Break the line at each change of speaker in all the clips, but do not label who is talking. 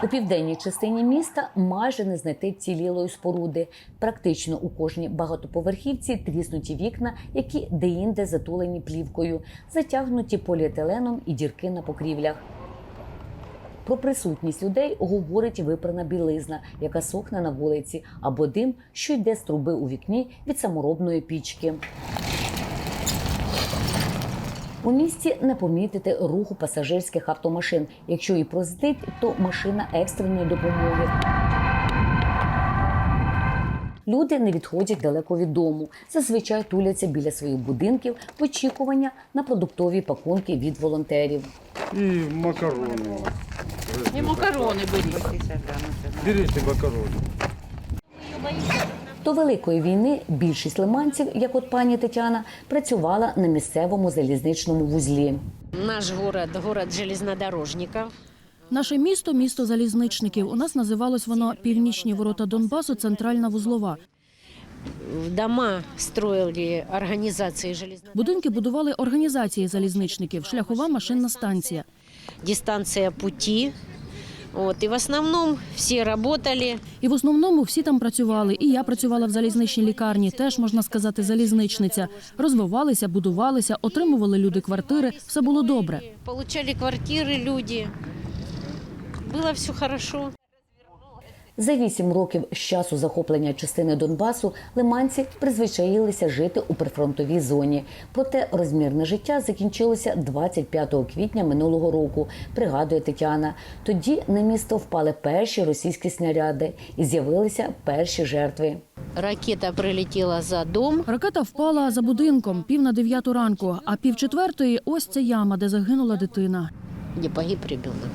У південній частині міста майже не знайти вцілілої споруди. Практично у кожній багатоповерхівці тріснуті вікна, які деінде затулені плівкою, затягнуті поліетиленом і дірки на покрівлях. Про присутність людей говорить випрана білизна, яка сохне на вулиці, або дим, що йде з труби у вікні від саморобної пічки. У місті не помітити руху пасажирських автомашин. Якщо і проздить, то машина екстреної допомоги. Люди не відходять далеко від дому. Зазвичай туляться біля своїх будинків в очікування на продуктові пакунки від волонтерів.
І макарони.
І макарони беріть.
Беріть макарони.
До Великої війни більшість лиманців, як от пані Тетяна, працювала на місцевому залізничному вузлі.
Наш город железнодорожників.
Наше місто – місто залізничників. У нас називалось воно «Північні ворота Донбасу. Центральна вузлова».
Дома строили організації железнодорожників.
Будинки будували організації залізничників, шляхова машинна станція.
Дистанція путі. І в основному всі працювали.
І в основному всі там працювали. І я працювала в залізничній лікарні, теж, можна сказати, залізничниця. Розвивалися, будувалися, отримували люди квартири, все було добре.
Отримали квартири люди. Було все добре.
За 8 років з часу захоплення частини Донбасу лиманці призвичаїлися жити у прифронтовій зоні. Проте розмірне життя закінчилося 25 квітня минулого року, пригадує Тетяна. Тоді на місто впали перші російські снаряди і з'явилися перші жертви.
Ракета прилетіла за дом.
Ракета впала за будинком 8:45 ранку, а 3:45 – ось ця яма, де загинула дитина.
Де погиб ребенок.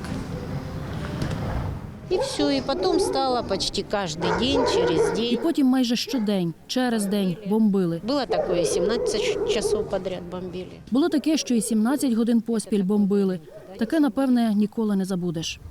І все, і потім стало почти кожен день, через день.
І потім майже щодень, через день бомбили.
Було таке, 17 часов підряд бомбили.
Було таке, що і 17 годин поспіль бомбили. Таке, напевне, ніколи не забудеш.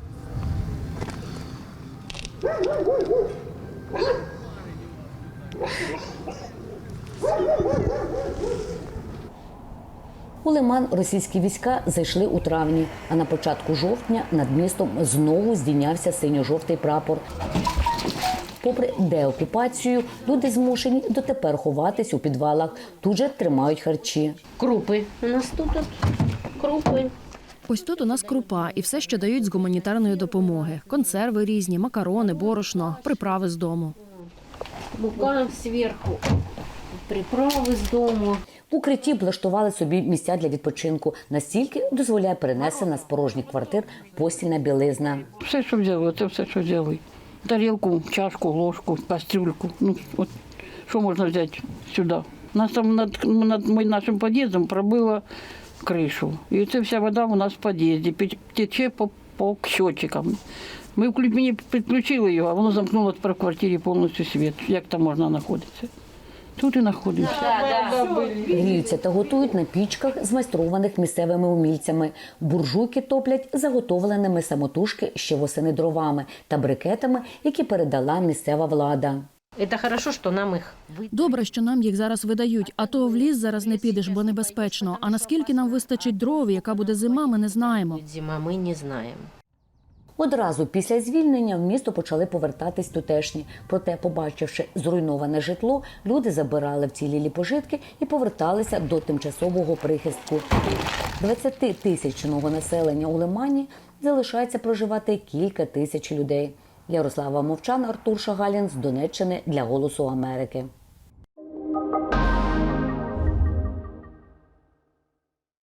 У Лиман російські війська зайшли у травні, а на початку жовтня над містом знову здійнявся синьо-жовтий прапор. Попри деокупацію, люди змушені дотепер ховатись у підвалах, тут же тримають харчі.
Крупи. У нас тут крупи.
Ось тут у нас крупа і все, що дають з гуманітарної допомоги. Консерви різні, макарони, борошно, приправи з дому.
Мука зверху, приправи з дому.
В укритті облаштували собі місця для відпочинку. Настільки дозволяє перенесена з порожніх квартир постільна білизна.
Все, що взяли, це все, що взяли. Тарілку, чашку, ложку, кастрюльку. Ну, от, що можна взяти сюди? Нас там над нашим під'їздом пробило кришу. І це вся вода у нас в під'їзді, тече по щотчикам. Мені підключили його, а воно замкнуло в квартирі повністю світ. Як там можна знаходитися? Тут і знаходимося.
Гріються та готують на пічках, змайстрованих місцевими умільцями. Буржуйки топлять заготовленими самотужки ще восени дровами та брикетами, які передала місцева влада.
Це добре, що нам їх видають.
Добре, що нам їх зараз видають, а то в ліс зараз не підеш, бо небезпечно. А наскільки нам вистачить дров, яка буде зима, ми не знаємо.
Зима ми не знаємо.
Одразу після звільнення в місто почали повертатись тутешні. Проте, побачивши зруйноване житло, люди забирали вцілілі пожитки і поверталися до тимчасового прихистку. 20-тисячного населення у Лимані залишається проживати кілька тисяч людей. Ярослава Мовчан, Артур Шагалін з Донеччини для «Голосу Америки».